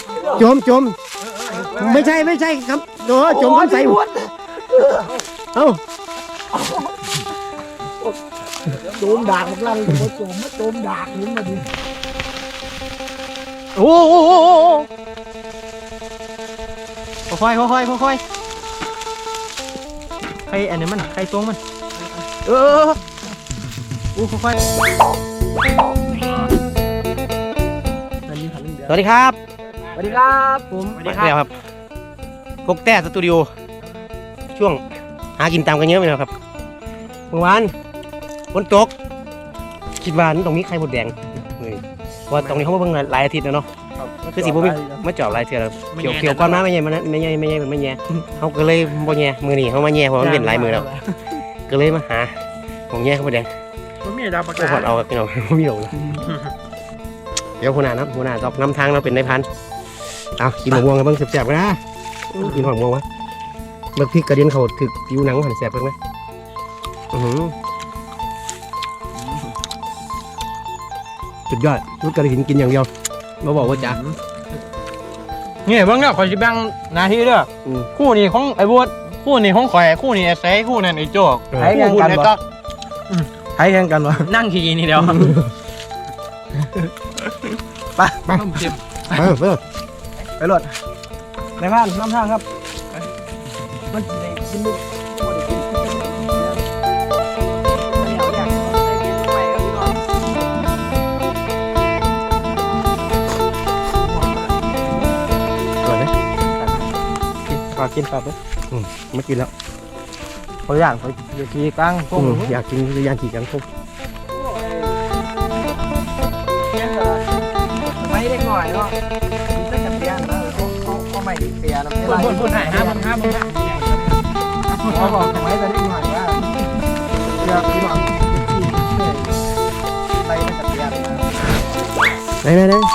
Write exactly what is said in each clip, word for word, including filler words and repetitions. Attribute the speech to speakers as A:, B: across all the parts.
A: จมจมไม่ใช่ไม่ใช่ครับโอ้จมคำใสเอ้า
B: โจมดากมันลังโจมโจมโจมดากนี่มาดิ
A: โอ้โหค่อยค่อยค่อยค่อยใครอันนี้มันใครตรงมันเออโอ้ค่อยสวัสดีครับ
B: สวัสดีครับผม
A: สวัสดีครับกกแต้สตูดิโอช่วงหากินตามกันเยอะไหมครับเมื่อวานฝนตกคิดว่าตรงนี้ใครหมดแดงเลยว่าตรงนี้เขาเพิ่งหลายอาทิตย์แล้วเนาะคือสิบุ้มมาจอบหลายเทื่อแล้วเขียวเขียวก้อนมาไม่แย่มันไม่แย่ไม่แย่มันไม่แย่เขาก็เลยบ่แย่มือนี่เขามาแย่เพราะมันเป็นหลายมือแล้วก็เลยมาหาของแย่เขาหมดแดง
B: มันมีดาวปาก
A: กาเอาพี่น้องไม่มีหรอกเดี๋ยวหัวหน้านะหัวหน้าตอบนำทางเราเป็นนายพันเอากินหมูม่วงกันบ้างแสบๆกันนะกินหอมม่วงวะเบิกพริกกระเด็นเขาถึกผิวหนังหันแสบเพิ่งไหมสุดยอดรุดกระดิ่งกินอย่างเดียวมาบอกว่าจ๋า
B: เนี่ยเบิ่งเนี่ยคอยสิแบ่งหน้าที่เด้อคู่นี้ของไอ้บัวคู่นี้ของข่อยคู่นี้ไอ้ไสคู่นั้นไอ้โจ๊ก
A: ใช้แข่งกันวะ
B: ใช้แข่งกันวะนั่งขี่นี่เดียวไปไป
A: ไปไป
B: ไปรถในบ้านน้ำทางครับมันได้กินลูกกินครับอืมไม่กินแล้วเขาอยากเขาอยากกินกังพุ่ง
A: อยากกินอยากกินกังพุ่ง
B: ไม่ได้หน่อยเนาะมีแต่กระเทียมนะเขาเขาไม่ได้เปียนะไม่ได้พูดหายห้าพันห้าพันเขาบอกไม่ได้ได้หน่อยว่าอยากกินหน่อยไปแต่กระเทียม
A: ไหนไหนไหน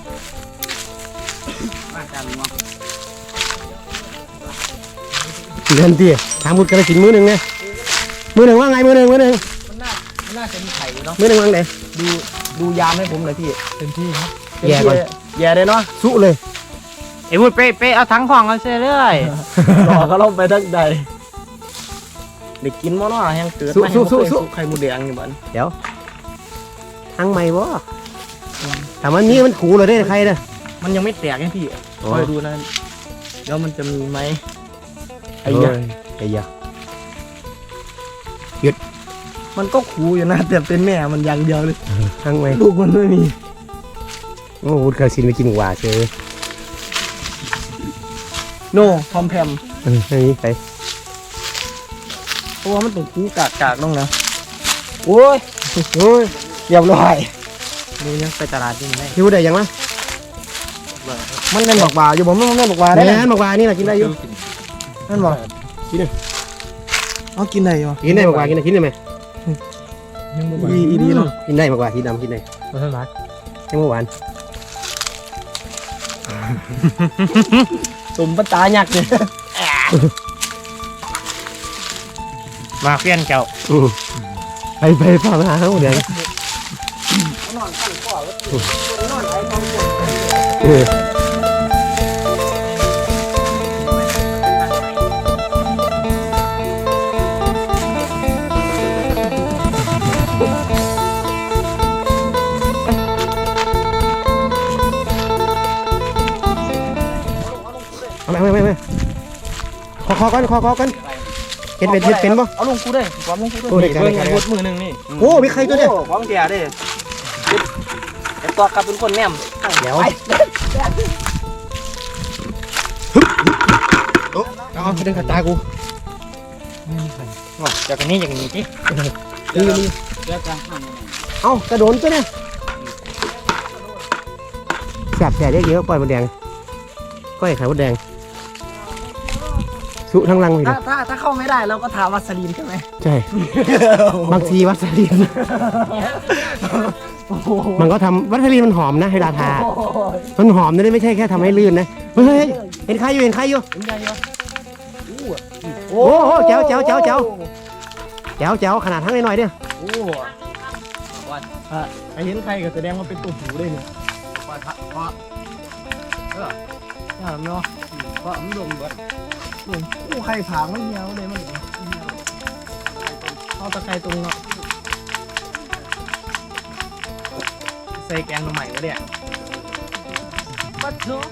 A: เดินตีทางมุดกระสินมือหนึ่งไงมือหนึ่งว่าไงมือหนึ่งมือหนึ่ง
B: มันน่ามันน่าจะมีไข่เนาะ
A: มือหนึ่งว่างไหน
B: ดูดูยามให้ผมเลยพี่เต็มที่ครับ
A: แย่ก่อน
B: แย่เลยเนาะ
A: สู้เลย
B: ไอ้พูดเป๊ะเป๊ะเอาทั้งของเอาเสียเลยหลอกก็ลงไปทั้งใดเด็กกินมั้งเนาะยังเกิด
A: สู้สู้สู้สู้
B: ไข่มูแดงอยู่บ้าน
A: เดี๋ยวทั้งใหม่บ่แต่มันนี้มันขู่เลยได้ใครเนี่ย
B: มันยังไม่แตกไงพี่คอยดูนะแล้วมันจะมีไหม
A: ไอ้ยาไอ้ยาหยุด
B: มันก็คูอยู่นะแต่เป็นแม่มันอย่างเดียวเลย
A: ทั้งไว้
B: ลูกมันไม่มี
A: โอ้วุฒิกระสินไปกินหมูหวานเชย
B: โน่พอมแพม
A: เออนี่ไป
B: เพราะว่ามันต้องคูกากกากต้องนะโอ้ยโอ้ยเรียบร้อยนี่ยังไปตลาดจริงไหม
A: คิวได้ยังมั้ย
B: มันเล่นบอกว่าอยู่ผมมันเล่นบอกว่าได้
A: เล่นบอกว่านี่แหละกินได้อยู่
B: นั่นบอก
A: กินเลย
B: เอากินได้เหรอ
A: กินได้มากกว่ากินได้กินได้ไหม
B: อีอีดีเนาะ
A: กินได้มากกว่าที่ดำกินได้
B: มาเท่าไหร่
A: ยังเมื่อวาน
B: ตุ่มปตาหยักเนี่ยมาเพี้ยนเจ้า
A: ไปไปพามาเขาเดี๋ยวน
B: อนขั้นข้อแล้วนอนไอ้ท้องปวด
A: ไม่ไม่ไม่ไม่ขอขอกันขอขอกันเห็นเป็นเห็นเป็นป่ะ
B: เอาลงกูได้ความลงกูได้เพื่อนมือมือหนึ่งนี่
A: โอ้มีใครตัวเนี่ย
B: ของเดียดิไอ้ตัวกลับเป็นคนแนม
A: เดี๋ยวเอาเดินขัดตากู
B: จากนี้อย่างนี้ที่
A: นี่นี่เอากระโดดตัวเนี่ยแสบแสบเยอะๆปล่อยมันแดงก้อยไข่มดแดงสุทั้งรังเลย
B: ถ้าถ้าถ้าเข้าไม่ได้เราก็ทาวัสลีนใช่ไหม
A: ใช่บางทีวัสลีนมันก็ทำวัสลีนมันหอมนะให้ราทามันหอมนะไม่ใช่แค่ทำให้ลื่นนะเฮ้ยเห็นใครอยู่เห็นใครอยู่โอ้โหเจ้าเจ้าเจ้าเจ้าเจ้าเจ้าขนาดทั้งน้อยๆเด้อ
B: โอ้ไอเห็นใครก็แสดงว่าเป็นตัวหูได้เนี่ยอ่าเนาะก็มันลงเบิดลงกู้ไข่ผางมันเหี่ยวเลยมันเอาตะไคร้ตรงเนาะใส่แกงใหม่วะเนี่ยปัดเนาะ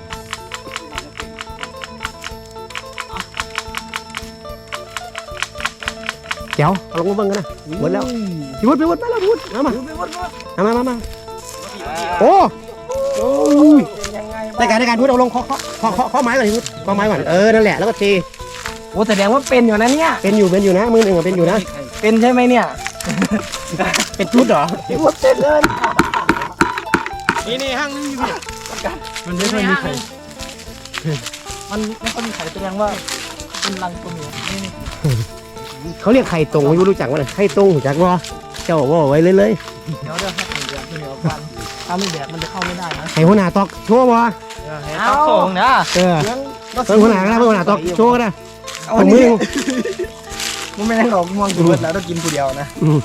A: เดี๋ยวเอาลงมาเบิ่งกันนะหมดแล้วพี่วุฒิพี่วุฒิมาแล้วพี่วุฒิมามามามามาโอ้โอ้ยในการในการพูดเอาลงเคาะเคาะเคาะเคาะเคาะไม้ก่อนพี่วุฒิเคาะไม้ก่อนเออนั่นแหละแล้วก็เท
B: โอ้แสดงว่าเป็นอยู่นะเนี่ย
A: เป็นอยู่เป็นอยู่นะมือหนึ่งเป็นอยู่นะ
B: เป็นใช่ไหมเนี่ย
A: เป็นชุดเหรอ
B: พี่วุฒิเป็นเลย
C: นี่นี่ห้างนี่อยู่
A: มันไม่ค่อยมีใคร
B: มันไม่ค่อยมีไข่แสดงว่าเป็นรังตัวเมียนี่นี่
A: เขาเรียกไข่ตรงไม่รู้จักว่าไข่ตรงรู้จักว่าเจ้าว่าไว้เลยเลย
B: เดี๋ยวเดี๋ยวให้ไข่เดือดเดี๋ยวฟันถ้าไม่แดดมันจะเข้าไม่ได้นะ
A: ไข่หัวหน้าตอกโชว์บ่
B: ต้องส่งนะ
A: เออเพิ่งหัวหน้าก็ได้เพิ่งหัวหน้าตอกโชว์ก็ได้
B: เอา
A: ของ
B: มื
A: มึ
B: อง มันไม่ได้หรอกม่วงกินเบิดแล้วต้องกินผู้เดียวนะ
A: อืม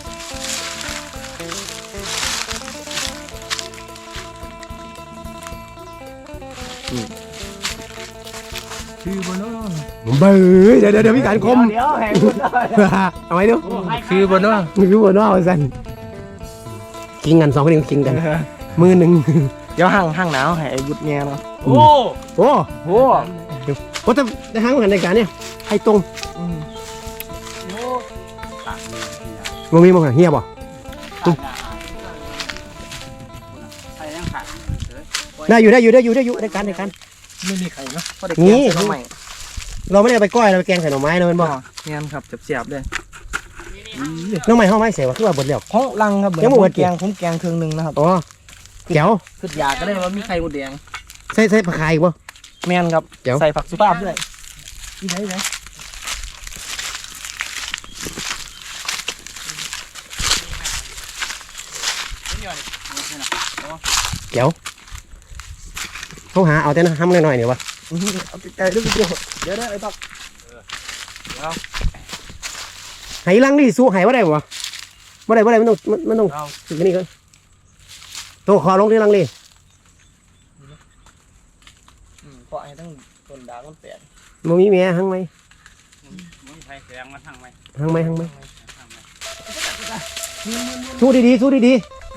B: คือบนโน้น
A: เบ้ยเดี๋ยวเดี๋ยวมีการคม
B: เดี๋ยวแหงคุณได้
A: เอาไว้ดู
B: คือบนโน้น
A: มือบนว่าสันกินกันสองคนกินกันมือหนึ่ง
B: เดี๋ยวห่างห่างหนาวให้ไอ้บุตรแง่เนาะ
A: โอ้โอ้
B: โอ้
A: โอ้แต่ในทางเหมือนในการเนี่ยไข่ตรงมึงมีมั้งเฮียบ่
C: ใครยังขาด
A: ได้อยู่ได้อยู่ได้อยู่ได้อยู่ในการในการ
B: ไม่มีไข่เนาะเพราะเด็ก
A: นี่
B: แกงใส่น้ำใหม่
A: เราไม่ได้เอาไปก้อยเราไปแกงใส่หน่อไม้นะมันบอก
B: เงี้ยครับเสียบๆเลย
A: น้องใหม่ห้องไม้เสียว่าคือว่าบดเดียว
B: ของลังครับเหมือน
A: ยังบ่เบิด
B: แกงผมแกงเครื่องนึงนะครับ
A: อ๋อเจ๋ว
B: คืออยากก็ได้ว่ามีไข่บดแดง
A: ใส่ใส่ผักไข่บ่
B: แมนครับ
A: เดี๋ยว
B: ใส่ผักสุภาพด้วยนี่ไหนไหน
A: เจ๋วเขาหาเอาแต่น้ำหน่อยๆเนี่ยวะ
B: เอาไก่ด้วยพี่โจเดี๋ยวได้ไอ้ตัก
A: ไหลังนี่สู้ไหว่าได้บ่บ่ได้บ่ได้มันต้องมันมันต้องถึงนี่ก่อนตัวคอลงที่ลังนี่
B: เพราะไอ้ตั้งต้นดางมันแตก
A: มันมีแม่หังไหม
C: มึงใครแสดงมาทางไหม
A: หังไหมหังไหมสู้ดีๆสู้ดี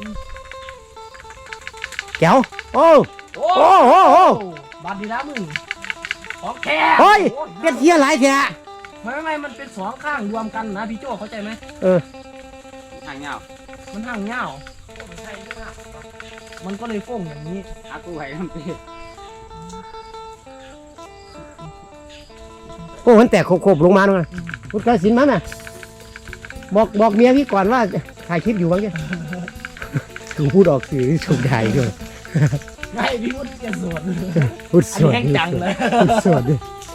A: ๆเจ๋วโอ้โอ้โอ้โอ้
B: บาดดีนะมึงของแค่
A: โอ้ยเป็ดเหี้ยหลายแท้
B: ไม่ไม่ไม่มันเป็นสองข้างรวมกันนะพี่โจเข้าใจไหม
A: เออ
C: ทางเงา
B: มันห่างเงามันก็เลยโฟ้งอย่างนี้
C: อากูไห้ทำปี
A: โอ้มันแตกโคบๆลงมาด้วยนะพุทธศิลป์มันน่ะบอกบอกเมียพี่ก่อนว่าถ่ายคลิปอยู่บ้างเนี่ยถูกพูดออกสื่อถูกถ่ายด้วย
B: ไม่พี่พูดเกียร์สวน
A: พูด
B: อั
A: ส
B: น
A: ว
B: นี้
A: ด
B: แห้งจังเลย
A: พูดสวดดิ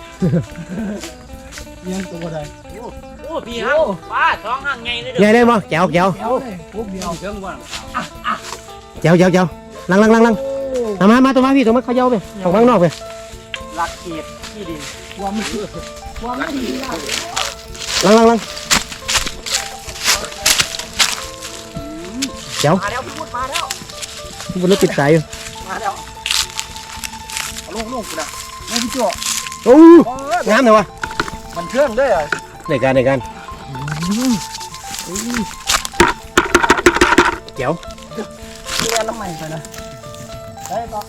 B: เลี้ยงตัวใด
C: โอ้พี่ห้างป้าท้องห้างไงเลย
A: ใหญ่ได้มั้ยแจ๋วแจ๋ว
B: เดียวเลยปุ๊บเดียว
C: เชิงก่อน
A: แจ๋วแจ๋วแจ๋วลังลังลังลังมามามาตัวมาพี่ตัวมาเขาเย้าไปออกข้างนอกไป
C: หลักเขตที่ดิน
B: ความไม่ดีความไม่ดีนะ
A: ลังลังลังแจ๋ว
B: มาแล้วพี่พูดมาแล้ว
A: บนรถติดสายอยู่
B: มาแล้วเอาลงลงกูนะไม่พี่โจ
A: โอ้งามเลยวะ
B: มันเครื่องด้วยอ่ะ
A: ในการในการแจ๋ว
B: เลี้ยงน้ำใหม่ไปนะได้ต่อ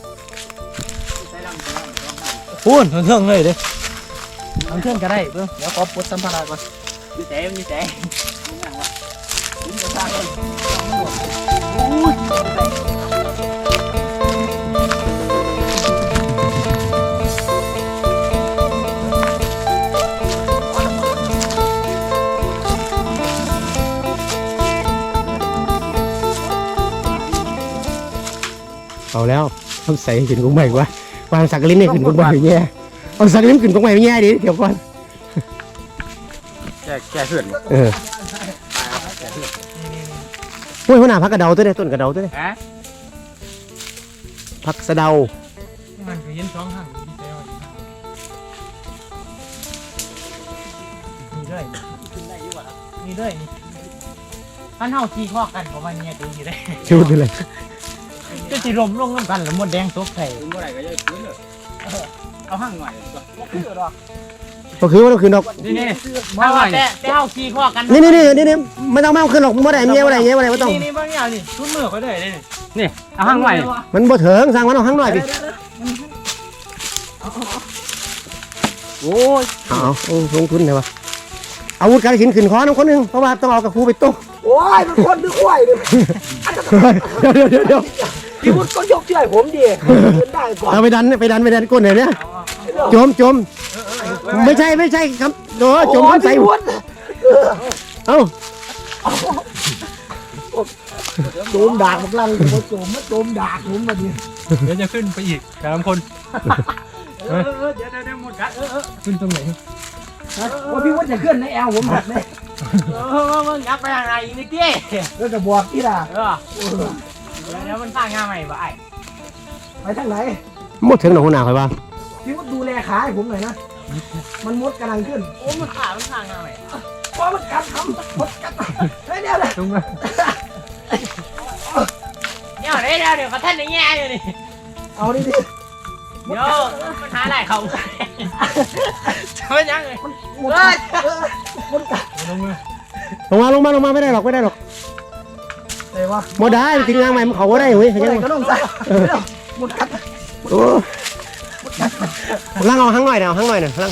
A: พูนเครื่องเลยเด้
B: มันเครื่องก็ได้เพื่อเดี๋ยวขอปลดสัมภาระก่อน
C: มีแต่มีแต่
B: ผมจะสร้างเลย
A: เอาแล้วต้องใส่ขึ้นกุ้งใหม่วะวางสักลิ้นเนี่ยขึ้นกุ้งใหม่แย่เอาสักลิ้นขึ้นกุ้งใหม่แย่ดิเดี๋ยวก่อน
C: แก่แก่เพื่อน
A: เออโอ้ยหัวหน้าพักกระเดาตัวนี้ต้นกระเดาตัวนี้
C: ฮะ
A: พักสะเดา
B: มันก็ยินสองห่างดีใจว่ามีด้วยมีด้วยนี่ท่านเฮาขี่ข้อกันของมันเนี่ยดูอยู่ได้
A: ชุดเลย
B: จะสิลมลงน้ำกันหรือมดแดงตกใส่
C: ถึงเมื่อไหร่ก็จะฟื้นเลยเอาห้างหน่อย
B: บ่คือดอก
A: ก็คือว่าต้องขึ้นดอก
C: นี่นี่มาหน่อยแต่แต่เอาขี้ข้อกัน
A: นี่นี่นี่นี่นี่ไม่ต้องมาขึ้นหรอกไม่ได้เงี้ยอะไรเงี้ยอะไรไม่ต้อง
C: นี่นี่บางอย่างนี่ชุดมือเขาได้นี่นี่เอาห้างหน่อย
A: มันบ่เถิงสั่งมันเอาข้างหน่อยดิ
C: โอ้ย
A: เอาเอาลงทุนเลยวะอาวุธการขินขึ้นคอน้ำคนหนึ่งเพราะว่าต้องเอากระพูไปต้ม
B: โอ้ยมันคนหรือควายเนี่ย
A: เดี๋ยวเดี๋ยวเดี๋ยว
B: พี่วุฒิก็ยกเชือกผมดิขึ้นได้ก่อน
A: เอาไปดันไปดันไปดันก้นเลยเนี่ยจมจมไม่ใช่ไม่ใช่ครับโอ้จมน้ำใส
B: พี่วุฒิ
A: เอ้า
B: โจมดากกำลังโจมมาโจมดากผมมาดิ
C: เดี๋ยวจะขึ้นไปอีกสามคนเออเดี๋ยวเดี๋ยวหมดกันเออเออขึ้นตรงไหน
B: ว่าพี่วุฒิจะขึ้นในแอลผมหักเลย
C: เออมึงยักไปทางไหนอีกนิดเดียว
B: แล้วจะบอกที่ล่ะ
C: เออเดี๋ยวมันสร้างงานใหม่บ่ไอ้
B: ไปทางไหน
A: หมดถึงหนองหัวหน้าคอยว่า
B: พี่วุฒิดูแลขาให้ผมหน่อยนะมันมดกำลังขึ้น
C: โอ้มันขามันสร้างงานใหม่
B: เพราะมันกัดทำมดกัดไม่เดียวเลย
C: ตรงนั้นเดี๋ยวเดี๋ยวเดี๋ยวเขาท่านในแง่อยู่นี่
B: เอาดิดิ
C: เดี๋ยวมันหาอะไรเขาจะไม่ยังเลย
B: มดกัดมดกัด
C: ลงมือ
A: ลงมาลงมาลงมาไม่ได้หรอกไม่ได้หรอก
B: ไหนวะ
A: หมดได้ทิ้งงานใหม่มันเขาก็ได้เว้ย
B: อะไรก็ต้องใส่มดกัด
A: โอ้ล่างเอาข้างหน่อยเดี๋ยวข้างหน่อยหน่อยล่าง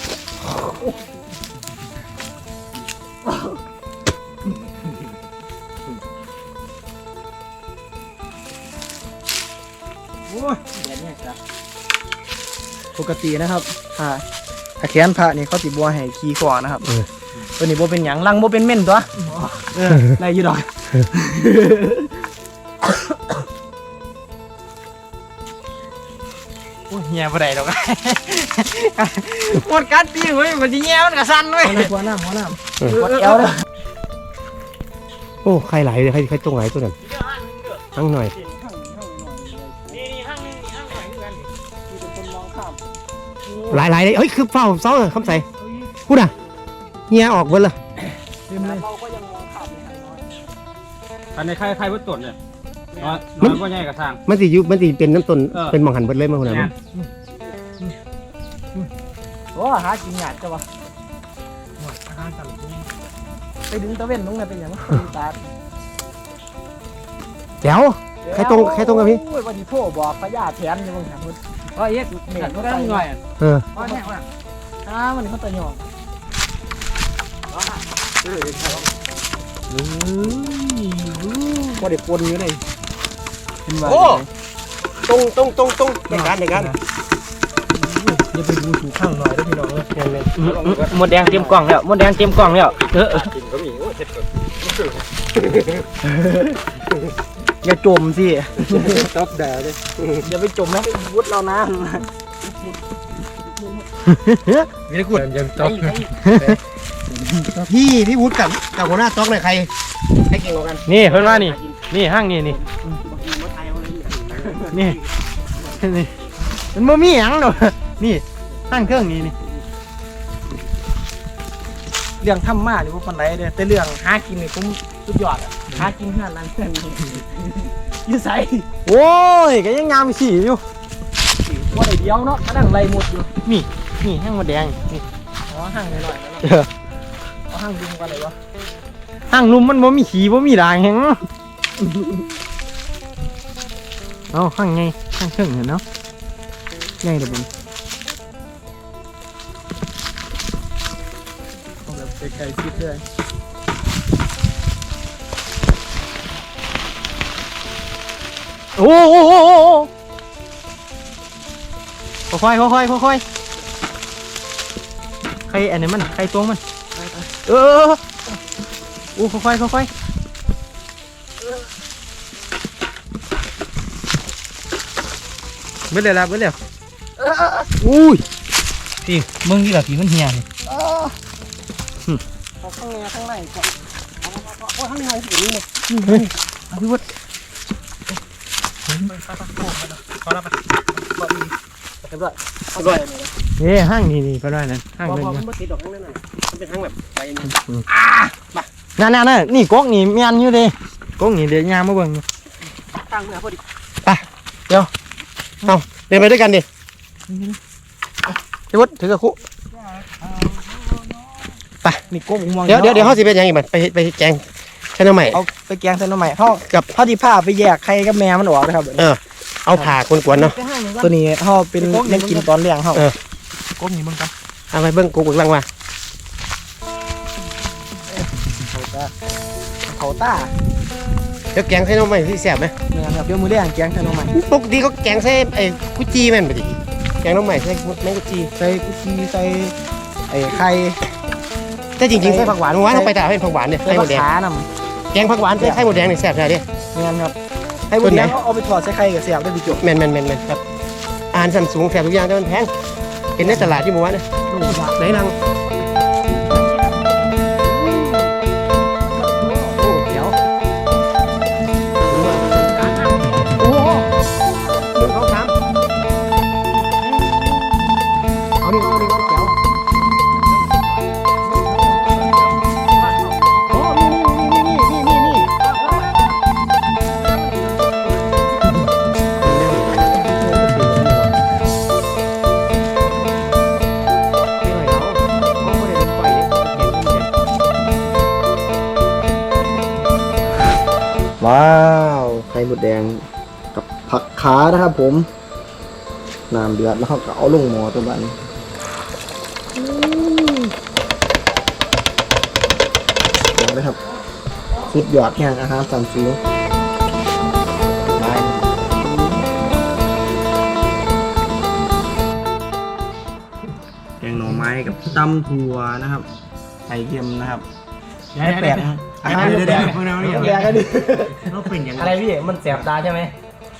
B: โอ้ยเดี๋ยวนี้ครับปกตินะครับถ้าถ้าแขนพระนี่เขาติบัวให้ขี้ก่อนนะครับตัวนี้บัเป็นหยังลังบัเป็นเม่นตัวเออได้อยี่ดอก
C: โอ้ยแง่บ่ได้หรอกหมดกัดตีเว้ยมันจะแง่มันกระสันเว้ย
B: หัวหน้าหัวหน้าวัดแอลเลย
A: โอ้ใครไหลเลยใครใครตรงไหนตัวนั้นข้างหน่อย
C: นี่นี่ห้างนี่ห้างหน่อยเหมือนกัน
B: มีแต่คนมองข้าม
A: หลายหลายเลยเฮ้ยคือเฝ้าเสาคำใส่พูดอ่ะเฮียออกเบิดเลย
B: เต็มเลยเราก็ยังมองข้ามในทางน้อย
C: อันนี้ใครใครวัดตนเนี่ยน้อยน้อยก็ใหญ่กับทาง
A: มันสิยุบมันสิเป็นน้ำต้น
C: เออ
A: เป็นหมองหันเบิดเลยมาหัวหน้า
B: โอ้หากินหยาดจ้ะวะไปดึงตะเวนลงเลยเป็นอย่างตา
A: เดี๋ยวใครตรงใครตรงกับพี่
B: โอ้ยวันนี้พ่อบอกพญาแถนยังมึงถามมึง
C: ก็เอ๊ะเหม็นก็ได้หน่อย
A: เออ
C: ก็แน่ว่า
B: อ้ามันเขาตะหยองว่าเด็กปนอยู่เลยเป็นว่า
A: โอ้ตรงตรงตรงตรงในการในการ
B: อย่าไปดูถูกข้างหน่อยด้วยพี่น้องเลย
C: หมดแดงเตรียมกล่องแล้วหมดแดงเตรียมกล่องแล้วเออ
B: อย่าจมสิ
A: ต๊อบด่าเลย
B: อย่าไปจมนะวุฒิเรานะ
A: มีตะกุดยังต๊อบพี่พี่วุฒิกับกับหัวหน้าต๊อกเนี่ยใครใครเก่งกว่ากัน
C: นี่เพิ่นว่านี่นี่ห้างนี่นี่นี่นี่มันบ่มีหยังดอกนี่ห้างเครื่องนี่นี่
B: เรื่องทำมาหรือว่าปันไรเด้อแต่เรื่องหากินนี่ผมสุดยอดอ่ะหากินขนาดนั้นขนาดนี้ยิ่ใส่
C: โอ้ยก็ยังงามขี่อยู่
B: ว่าได้เดียวเนาะมานั่งไล่หมดอยู่
C: นี่นี่ห้างหมดแดงนี่
B: อ๋อห่างหน่อยๆนะเอาห่างดึงกันเลยวะ
C: ห้างลุมมันบ่มีขี่บ่มีด่างแฮงเอาห้างไงห้างเครื่องเห็นเนาะใหญ่เด้อบุญ
B: เอาแบบไกลๆคิดเลย
C: โอ้โหค่อยๆค่อยๆค่อยๆใครอันนี้มันใครตัวมันเออโอ้ค่อยๆค่อยๆเบิดเลยละเบิดเลยอุ้ยพี่มึงนี่แหละพี่มันเฮียนี่
B: เอาข้างในข้างในก่อนเอาข้างในสินี่เนี่ย
C: เฮ้ยเอาพี่วุฒิ
B: ขอรับไปขอดีเรียบร้อยเอาไปเลย
C: เฮ้ยห้างนี่นี่ก็ได้นั่นห้าง
B: พอ
C: เลย
B: พอ
C: นะ
B: มันไม่ติดดอกข้างในน่ะมันเป็นทางแบบไปนี่
C: นั่นนั่นนั่นนี่ก๊กนี่เมียนอยู่เด้ก๊กนี่เดี๋ยวยามมาเบิ่ง
B: ทางเมื่อพอดี
A: เดินไปด้วยกันดิพี่วุฒิถือกระคุไป
B: นี่ก้มมอง
A: เดี๋ยวเดี๋ยวเดี๋ยวเขาสิเป็นยังอีกบัดไปไปแกงใช่น้ำใหม่
B: เอาไปแกงใส่หน่อไม้เขา
A: กับ
B: เขาที่ผ้าไปแยกไข่กับแม่มันออกนะครับ
A: เออเอาผ่ากวนๆเนาะ
B: ตัวนี้เขาเป็นแม่กินตอนเลี้ยงเขา
A: เออ
B: ก้มนี่มึงกัน
A: เอาไปเบิ้งกูเบิ้งลังมา
B: เขาตาเขาตา
A: เดี๋ยวแกงใส่น้ำใหม่ที่แซ่บไหม
B: เนี่ยครับเดี๋ยวมือเลี้ยงแกงใส่หน่อไม้
A: ปกติเขาแกงใส่ไอ้กุจีแม่นไปดิแกงน้ำใหม่ใส่แมงกุจี
B: ใส่กุชีใส่ไอ้ไข่
A: แต่จริงๆใส่ผักหวานเมื่อวานเราไปตลาดเป็นผักหวานเนี่ย
B: ใส่
A: ไข่หม
B: มะ
A: ดแดง
B: ขาม
A: แกงผักหวานใส่ไข่หมดแดงเนี่ยแซ่บใช่ไหม
B: เนี่ยครับให้บุญยังเอาไปถอดใส่ไข่กับเสียบได้ดีจบ
A: แม่นแม่นแม่นแม่นครับอาหารสันสูงแซ่บทุกอย่างแต่มันแพงเห็นในตลาดที่เมื่อวานเนี่ย
B: ลูกหลาน
A: ไหนลังโอ้เดี๋ยวโอ้โหหนึ่งสองสามเอาดิเอาดิเอาเดี๋ยวโอ้นี่นี่นี่นี่นี่นี่
B: ว้าวไข่หมดแดงกับผักขานะครับผมน้ำเดือดแล้วเขาก็เอาลงหม้อตัวบันเอาเลยครับสุดยอดแห่งอาหารสันสูงแกงหน่อไม้กับตำถั่วนะครับไข่เค็มนะครับไม่แปลกนะครับอาหารแปลกๆแปลกกันดิ
A: เราเป็นอย่าง
B: อะไรพี่มันแสบตาใช่ไหม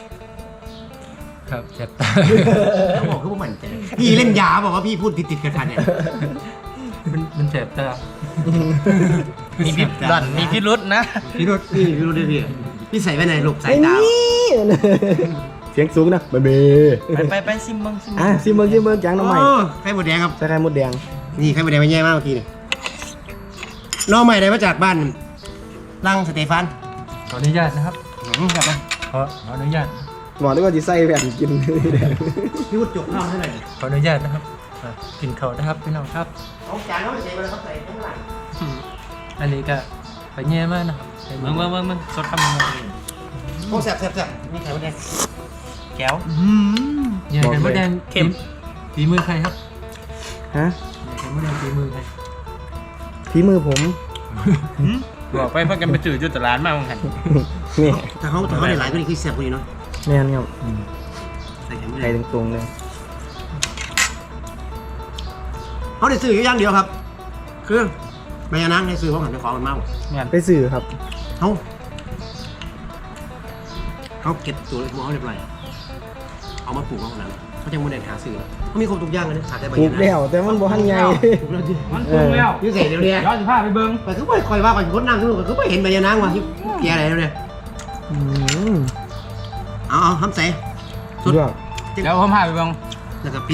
C: ครับเจ็บตา
A: เขาบอกคือว่ามันใจพี่เล่นยาบอกว่าพี่พูดติดติดๆกันๆเนี่ย
C: มันมันเจ็บตา
A: มีพิษ
C: ดันมีพิรุษนะ
A: พี่รุดพี่พี่รุดด้วยพี่พี่ใส่ไว้ในหลบสายตา
B: เสียงสูงนะเบเบ
C: ไปไปไปซิมมึงซิม
B: อ่ะซิมเบิร์ซิมเบิร์แกงน้ำใหม่
A: โอ้ไข่หมดแดงครับ
B: ใส่ไข่มดแดง
A: นี่ไข่หมดแดงมันแย่มากเมื่อกี้นี่น้องใหม่ได้มาจากบ้านลังสเตฟาน
C: ขออนุญาตนะครับ
A: อืมกลับมา
C: ขอขออนุญาต
B: บอกได้ว่าจะใส่แบบกินแดง
A: พี่วุฒิจกข้าวให้หน่อย
C: ขออนุญาตนะครับอ่ะกินเขาวนะครับพี่น้องครับ
A: เอาจานเขาไปใส่มาแล้วเขาใส่ข้างหลัง
C: อันนี้ก็ไปแย่มากนะครับมึงมึงมึงมึงสดทำมึง
A: โอ้แซ่บแซ่บแซ่บนี่ไข่หมดแดงแก้ว
C: ใหญ่กันมดแดงเข็มฝีมือใครครับ
B: ฮะ
C: ใหญ่กันมดแดงฝีมือใคร
B: ฝีมือผม
C: บอกไปเพื่อกันไปจืดจุดตลาดมากมั้งครับ
B: นี่
A: ถ้าเขาถ้าเขาได้หลายก็นี่คือแซ่บกว่านี้เนาะ
B: แม่นครับ
A: ใส่ไข่หมดแด
B: ไข่
A: ง
B: ตรงๆเลย
A: เขาได้ซื้ออยู่อย่างเดียวครับ คือใบยานางได้ซื้อเพราะหันไปของมันมาก
B: ไปสื่อครับ
A: เขาเขาเก็บตัวเล็กน้อยเรียบร้อยเอามาปลูกเอาหนังเขาจะโมเดลหาซื้อเขามีครบทุกอย่างเลยนะขาดแต่ใบ
B: ปลู
A: ยาก นาง
B: แล้วแต่มันบ่ทันใหญ่
A: ปลูกแล้วดิ
C: มันปรุงแล้ว
A: ยูเสร็จเดี๋ยวนี้
C: ย้อนสิผ้าไปเบิ้ง
A: แต่คือไม่คอยว่าก่อนคนนั่งคือคือไม่เห็นใบยานางว่ะที่แกอะไรแล้วเนี่ย
B: อืม
A: เอาเอาทำใส่
B: สุดยอด
C: เดี๋ยวผมพาไปเบิ้ง
A: แล้วก็ปิด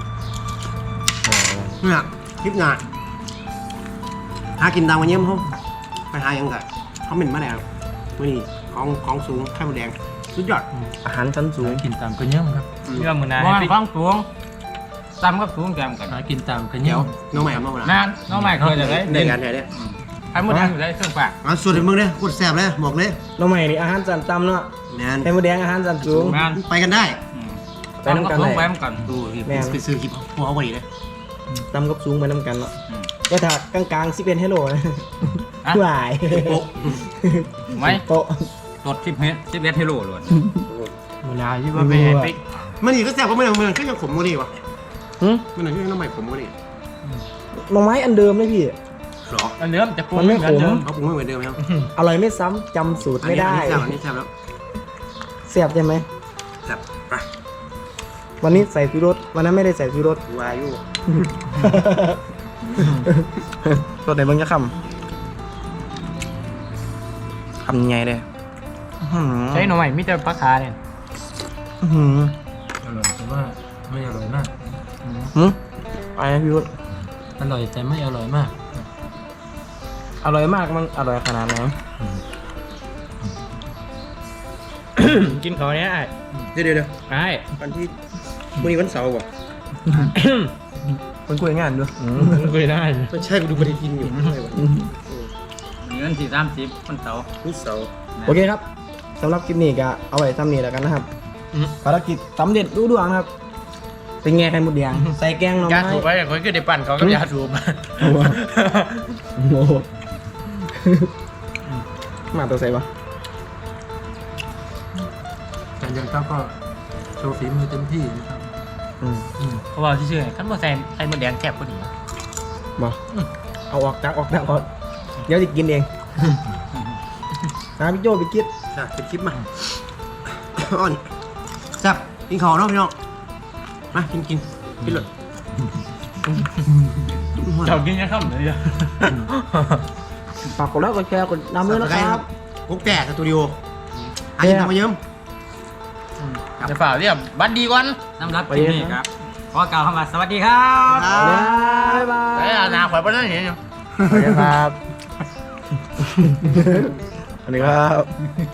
A: เนี่ยคลิปงานหากินตามกันเยี่ยมเขาไปหายังไงเขาเหม็นมาแล้วมื่อนี้ของของสูงไข่มดแดงสุดยอด
B: อาหารชั้นสูง
C: กินตามกันเยอะครับ
A: อืม
C: เรื่องมือนาให้ไปฟังสูงตามกับสูงแกมกันหากินตามกันเย
A: เดี๋ยว
C: อะ
A: น้องใหม่เอามาแล้ว
C: นานน้องใหม่เคยจะได้
A: ในการไหนเนี่ย
C: ไอ้มดแดงอยู่ได้เครื่องปาก
A: เอาสูตรให้มึงเลยพูดแซ่บเลยบอกเลย
B: น้องใหม่นี่อาหารชั้นต่ำเนาะ
A: แมน
B: ไข่มดแดงอาหารชั้นสูง
C: งาน
A: ไปกันได้
B: ไปนำกัน
C: สู
B: ได้
C: งไปนำกัน
A: ดูนี่
B: แม่น
A: ไปซื้อคลิปพวกเขาพอดีเลย
B: ต่ำกับสูงไปน้ำกันเนาะ
C: อืม
B: ก็ถ้ากลางๆสิเป็นเฮลโลนะ
C: อ่ะ
B: หวาย
A: โป๊ะ
C: ไม่
B: โป๊ะ
C: รถสิบเมตรสิบเอ็ดเทโลล้วนมือนาที่ว่า
B: ไม่
C: ไป
B: รู้
C: แฮ
B: อะ
C: ปิก
A: มันนี่ก็แซ่บเพราะมันมันก็ยังขมกว่านี่วะ
B: หึ
A: มันยังน้องใหม่ขมกว่านี่
B: หน่อไม้อันเดิมเลยพี่
A: หรอ
C: อันเนื้อมันจะปรุง
B: มันไม่ขม
C: เหอนเดิ
A: เขาปรุงไม่เหมือนเดิมแล้ว
B: อร่อยไม่ซ้ำจำสูตรไม่ได้
A: อันนี้แซ่บอันนี้แซ่บแล้ว
B: เสียบใช่ไหม
A: แซ่บไป
B: วันนี้ใส่ชูรสวันนั้นไม่ได้ใส่ชูรส
A: วายุ
B: รสไหนเบ้างจะคำคำใหญ่เลยอื้อหือ
C: ใช้หน่อใหม่มิแต่ปลาคาเนี่ย
B: อื้อหือ
C: อร่อยแต่ว่าไม่อร่อยมาก
B: หืมอะไรนะพี่วุฒิ
C: อร่อยแต่ไม่อร่อยมาก
B: อร่อยมากมันอร่อยขนาดไหน
C: กินเขาเนี้ยไอ้
A: เดี๋ยวเดี๋ยวเดี๋ยว
C: ไอ้
A: วันที่วันนี้วันเสาร์ว่ะ
B: คนคุยงานด้วย
C: เคยได้
A: ไม่ใช่กูดูปฏิทินอยู่ไม่ไหว
C: เงินสี่สามสิบคนเสาร์
A: นี่เสา
B: โอเคครับสำหรับคลิปนี้ก็เอาไว้ทำนี้แล้วกันนะครับภารกิจสำเร็จรุ่ดวงครับ เป็นไงไข่มดแดงใส่แกงหน่อไม้
C: ยาถูกไปคนก็ได้ปั่นเขาก็ยาถูกมา
B: โอ้โหโอ้โหมาตัวใส่ปะ
D: แต่ยังครับก็โชว์ฝีมือเต็มที่นะครับ
B: อืม
C: เขาบอกที่ชื่อขั้นบ่ใส่ไข่มดแดงแคบก็ดี
B: มาเอาออกจากออกจากก่อนเดี๋ยวจะกินเองนะพี่โจไปกิน
A: จ้ะเป็นคลิปมาอ่อนแซ่บกินข้าวเนาะพี่น้องมากินกินกินเลย
C: เจ้ากินยังค่ำเลยจ้ะ
B: ฝากกดไลค์กดแชร์กดนำด้วยนะครับ
A: กุ๊กแต่สตูดิโอหากินทำมาเยิ้ม
C: จะฝ่าเรียบบัดดีก่อนสำหรับคลิปนี้ครับขอกล่าวคำว่าสวัสดีครับ
B: บ๊ายบาย
C: เฮ้ยอาณาข่อยบ่ได้เห็นอยู่
B: สวัสดีครับ สวัสดีครับ